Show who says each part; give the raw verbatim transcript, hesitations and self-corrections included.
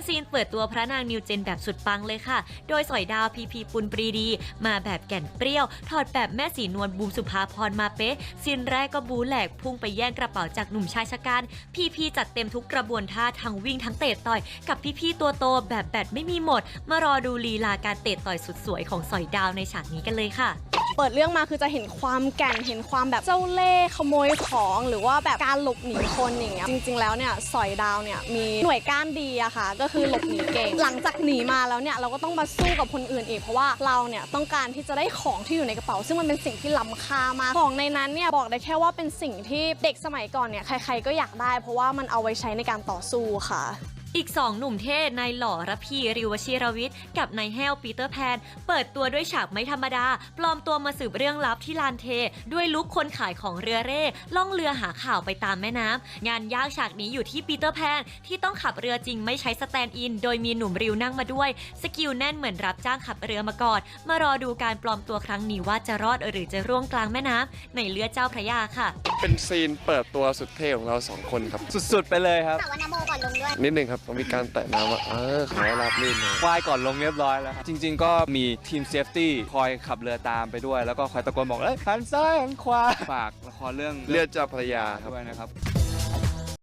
Speaker 1: ซีนเปิดตัวพระนางนิวเจนแบบสุดปังเลยค่ะโดยสอยดาวพีพีปุณปรีดีมาแบบแก่นเปรี้ยวถอดแบบแม่สีนวลบูมสุภาพรมาเป๊ะซีนแรกก็บูแหลกพุ่งไปแย่งกระเป๋าจากหนุ่มชายชะกันพีพีจัดเต็มทุกกระบวนท่าทั้งวิ่งทั้งเตะต่อยกับพี่ๆตัวโตแบบแบตไม่มีหมดมารอดูลีลาการเตะต่อยสุดสวยของสอยดาวในฉากนี้กันเลยค่ะ
Speaker 2: เปิดเรื่องมาคือจะเห็นความแก่นเห็นความแบบเจ้าเล่ห์ขโมยของหรือว่าแบบการหลบหนีคนอย่างเงี้ยจริงๆแล้วเนี่ยสอยดาวเนี่ยมีหน่วยก้านดีอะค่ะก็คือหลบหนีเก่งหลังจากหนีมาแล้วเนี่ยเราก็ต้องมาสู้กับคนอื่นอีกเพราะว่าเราเนี่ยต้องการที่จะได้ของที่อยู่ในกระเป๋าซึ่งมันเป็นสิ่งที่ล้ำค่ามากของในนั้นเนี่ยบอกได้แค่ว่าเป็นสิ่งที่เด็กสมัยก่อนเนี่ยใครๆก็อยากได้เพราะว่ามันเอาไว้ใช้ในการต่อสู้ค่ะ
Speaker 1: อีกสองหนุ่มเท่นายหล่อระพีริวชิรวิทย์กับนายแห้วปีเตอร์แพนเปิดตัวด้วยฉากไม่ธรรมดาปลอมตัวมาสืบเรื่องลับที่ลานเทด้วยลุคคนขายของเรือเร่ล่องเรือหาข่าวไปตามแม่น้ำงานยากฉากนี้อยู่ที่ปีเตอร์แพนที่ต้องขับเรือจริงไม่ใช้สแตนด์อินโดยมีหนุ่มริวนั่งมาด้วยสกิลแน่นเหมือนรับจ้างขับเรือมาก่อนมารอดูการปลอมตัวครั้งนี้ว่าจะรอดหรือจะร่วงกลางแม่น้ำในเรือเจ้าพระยาค่ะ
Speaker 3: เป็นซีนเปิดตัวสุดเท่ของเราสองคนครับ
Speaker 4: สุดๆไปเลยครับ
Speaker 5: แต่ว่านาโมก่อนลงด้วย
Speaker 3: นิดนึงครับต้องมีการแตะน้ำว่าเออขอรับลื่นเลย
Speaker 4: ควายก่อนลงเรียบร้อยแล้วครับจริงๆก็มีทีมเซฟตี้คอยขับเรือตามไปด้วยแล้วก็คอยตะโกนบอกเอ้ยหันซ้ายหันขวาฝากละครเรื่อง
Speaker 3: เรือเจ้าพระยาครับ
Speaker 4: ด้วยนะครับ